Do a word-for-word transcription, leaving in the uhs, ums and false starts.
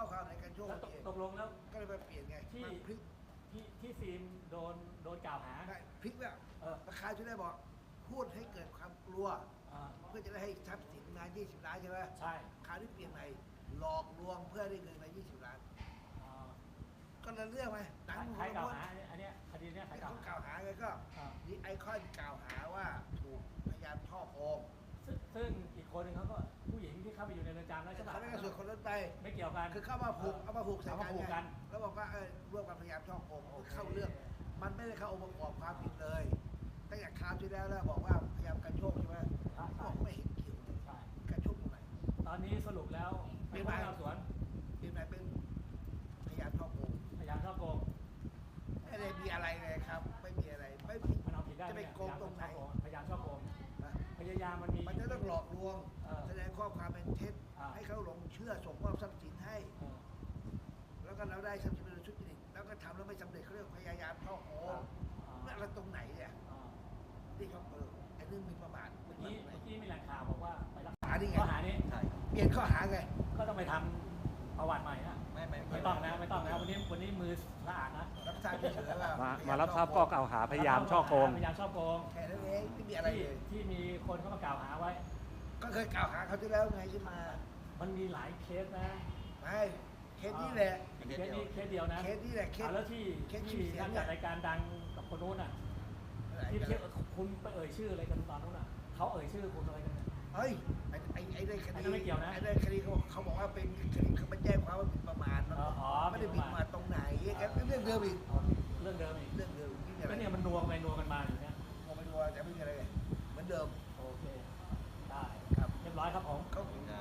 อความในการโชคแล้วตกตกลงแล้วก็เลยมาเปลี่ยนไงที่มันพลิกที่ที่ฟิล์มโดนโดนกล่าวหาได้พลิกแล้วเออราคาที่ได้บอกพูดให้เกิดความกลัวอ่าเพื่อจะได้ให้ทรัพย์สินงานยี่สิบล้านใช่ไหมใช่คราวนี้เปลี่ยนใหม่หลอกลวงเพื่อได้เงินมายี่สิบล้านอ่าก็เลยเรื่องไหมหนังใครกล่าวคนหาอันเนี้ยคดีเนี้ยใครที่กล่าวเขาหากล่าวหาไงก็อ่านี่ไอคอนกล่าวหาว่าถูกพยายามช่อโกงซึ่งซึ่งอีกคนหนึ่งเขาก็ผู้หญิงที่เข้าไปอยู่ในเรือนจำแล้วใช่ปะเขาไม่ได้ส่วนคนนั้นไปไม่เกี่ยวกันคือเข้ามาผูกเอามาผูกใส่เอามาผูกกักัน นไงแล้วบอกว่าเออร่วมกันพยายามช่อโกงโอเคเข้าเรื่อง มันไม่ได้เข้าองค์ประกอบความผิดเลยตั้งแต่คราวที่แล้วแล้วบอกว่าพยายามการโชคใช่ไหมใช่บอกไม่เห็นเกี่ยวเลยใช่การโชคตรงไหนตอนนี้สรุปแล้วไม่เป็นไหวพนักงานสวนเป็นไหนเป็นพยายามช่อโกงพยายามช่อโกงไม่ได้มีอะไรเลยครับ ไม่มีอะไรไม่มีมันเอาผิดได้จะไหมไปเนี่ยโกงตรงไหนพยายามช่อโกงนะพยายามมันมีมันจะต้องหลอกลวงเออแสดงข้อความเป็นเท็จอ่าให้เขาหลงเชื่อส่งมอบทรัพย์สินให้เออแล้วก็เราได้ทรัพย์สินเป็นชุดจริตแล้วก็ทำแล้วไม่สำเร็จเขาเรียกพยายามช่อโกงอ่านั่นอะไรตรงไหนเนี่ยอ่าที่เขาเออไอ้เรื่องหมีประมาทเมื่อกี้เมื่อกี้มีแหล่งข่าวบอกว่าไปรักษาหานี่ไงข้อหานี้ใช่เปลี่ยนข้อหาไงก็ต้องไปทำประวัติใหม่นะไม่ไม่ไม่ต้องนะไม่ต้องนะวันนี้วันนี้มือสะอาดนะรับทราบเฉยๆว่ามาพยยมารับทราบข้อกล่าวหาพยายามช่อโกงพยายามช่อโกงแค่นั้นเองไม่มีอะไรที่เลยที่มีคนเข้ามากล่าวหาไว้ก็เคยกล่าวหาเขาที่แล้วไงที่มามันมีหลายเคสนะไม่เคสนี้แหละเคสนี้เคสเดียวนะเคสนี้แหละเคสอ่าแล้วที่เคสที่ชื่อเสียนังกเนี่จัยดรายการดังกับคนนู้นอ่ะที่ที่คุณไปเอ่ยชื่ออะไรกันตอนนู้นอ่ะเขาเอ่ยชื่อคุณอะไรกันเนี่ยเฮ้ยไอ้ไอ้ไอ้เรื่องคอันนั้ดีนไม่เกี่ยวนะไอ้เรื่องคดีเขาเขาบอกว่าเป็นคดีเขาไปแจ้งความว่าหมิ่นประมาทมันอ๋ออ๋อไม่ได้หมิ่นประมาทตรงไหนกันเรื่องเดิมอีกอ๋อเรื่องเดิมอีกเรื่องเดิมที่เนี่ยก็เนี่ยมันนัวกันไปนัวกันมาอยู่เนี่ยผมไม่รู้ว่าจะไม่มีอะไรเลยเหมือนเดิมโอเคได้ครับเรียบร้อยครับผมเขา